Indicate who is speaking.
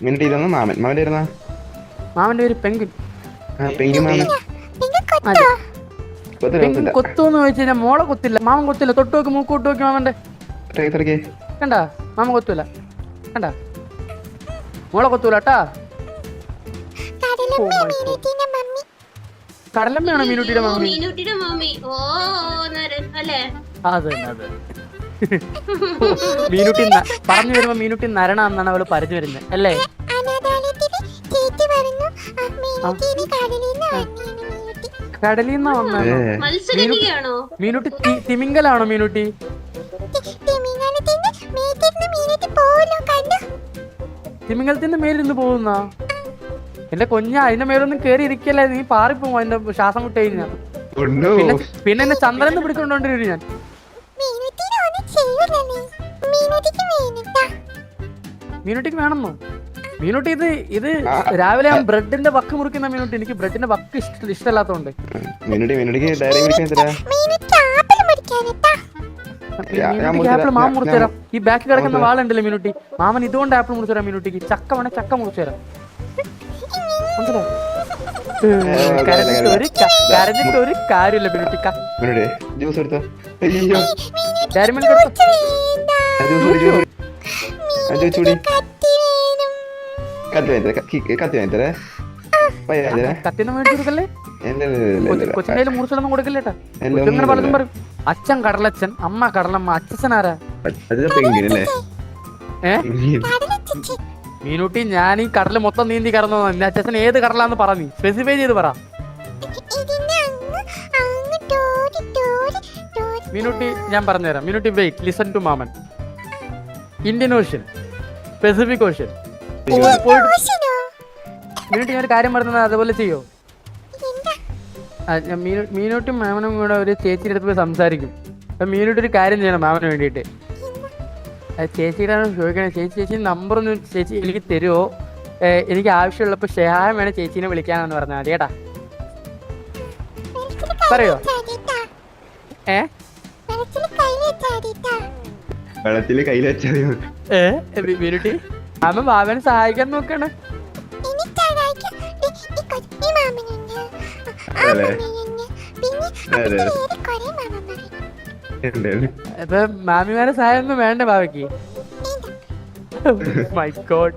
Speaker 1: Minute ഇതൊന്ന് മാമൻ മാമന്റെ ഇരുന്നാ
Speaker 2: മാമന്റെ പേര് പെങ്കുൻ.
Speaker 1: പെങ്കി മാമൻ
Speaker 2: അതെ.
Speaker 1: കൊത്തില്ല
Speaker 2: പെങ്കുൻ കൊത്തുന്ന് ചോദിച്ചു കഴിഞ്ഞാൽ മോളെ കൊത്തില്ല, മാമൻ കൊത്തില്ല. തൊട്ട് നോക്കി മൂക്കോട്ട് നോക്കി മാമന്റെ
Speaker 1: തിരക്കേ
Speaker 2: കണ്ടാ, മാമ കൊത്തൂല കണ്ടാ, മോളെ കൊത്തൂല കേട്ടാ. കടലമ്മയാണോ മീനുട്ടിയുടെ മമ്മി?
Speaker 3: മീനുട്ടിയുടെ മമ്മി. ഓ നരൻ അല്ലേ?
Speaker 2: അത് തന്നെ അത്. മീനുട്ടി പറഞ്ഞു വരുമ്പോ മീനുട്ടി നരണ എന്നാണ് അവള് പറഞ്ഞു വരുന്നത് അല്ലേ? കടലിന്നാ വന്നാണോ
Speaker 3: മത്സരിക്കുകയാണോ
Speaker 2: മീനുട്ടി? തിമിങ്കലാണോ മീനുട്ടി? തിമിംഗലത്തിന്റെ മേലിരുന്ന് പോകുന്ന എന്റെ കൊഞ്ഞ, അതിന്റെ മേലൊന്നും കേറി ഇരിക്കല്ലേ, നീ പാറിപ്പോവും അതിന്റെ ശ്വാസം വിട്ട് കഴിഞ്ഞാ. പിന്നെ എന്നെ ചന്ദ്രന്ന് പിടിച്ചോണ്ടോണ്ടിരും ഞാൻ. മീനുട്ടിക്ക് വേണമെന്നോ? മീനുട്ടി ഇത് രാവിലെ ഞാൻ ബ്രെഡിന്റെ വക്ക് മുറിക്കുന്ന മീനുട്ടി. എനിക്ക് ബ്രെഡിന്റെ വക്ക് ഇഷ്ടമല്ലാത്തോണ്ട് ആപ്പിൾ മാമ മുറിച്ചു തരാം. ഈ ബാക്കി കിടക്കുന്ന വാളുണ്ടല്ലോ മീനുട്ടി, മാമൻ ഇതുകൊണ്ട് ആപ്പിൾ മുറിച്ചു തരാം മീനുട്ടിക്ക്. ചക്ക വേണേ ചക്ക മുറിച്ചു തരാം. കരഞ്ഞിട്ട് ഒരു കാര്യമില്ല മീനുട്ടി. കത്തിന്ന് മേടിച്ചു കൊടുക്കല്ലേ, കൊച്ചിന്റെ മുറിച്ചൊന്നും കൊടുക്കല്ലേട്ടാ. കൊച്ചിങ്ങനെ പലതും പറയും. അച്ഛൻ കടലച്ഛൻ, അമ്മ കടലമ്മ, അച്ഛനാരാ? മീനുട്ടി ഞാൻ ഈ കടല് മൊത്തം നീന്തി കടന്നു. എന്റെ അച്ഛൻ ഏത് കടലാന്ന് പറ, നീ സ്പെസിഫൈ ചെയ്ത് പറ. മീനുട്ടി ഞാൻ പറഞ്ഞുതരാം. മീനുട്ടി വെയിറ്റ്, ലിസൺ ടു മാമൻ. Indian Ocean, Pacific Ocean. Meenutty ഞാൻ ഒരു കാര്യം പറഞ്ഞത് അതുപോലെ ചെയ്യോ? മീനുട്ടി മാമനും കൂടെ ഒരു ചേച്ചിയുടെ അടുത്ത് പോയി സംസാരിക്കും. അപ്പൊ മീനുട്ടി ഒരു കാര്യം ചെയ്യണം മാമന് വേണ്ടിയിട്ട്. ചേച്ചിയുടെ ചോദിക്കണേ, ചേച്ചി നമ്പർ ഒന്ന് ചേച്ചി എനിക്ക് തരുമോ? എനിക്ക് ആവശ്യമുള്ളപ്പോൾ ഷെഹായം വേണേ ചേച്ചീനെ വിളിക്കാനാന്ന് പറഞ്ഞാൽ മതി കേട്ടാ. പറയോ? മീനുട്ടി മാമൻ മാമനെ സഹായിക്കാൻ നോക്കണേ. ഇപ്പൊ മാമിമാരെ സഹായം ഒന്നും വേണ്ട ബാബയ്ക്ക്. My God.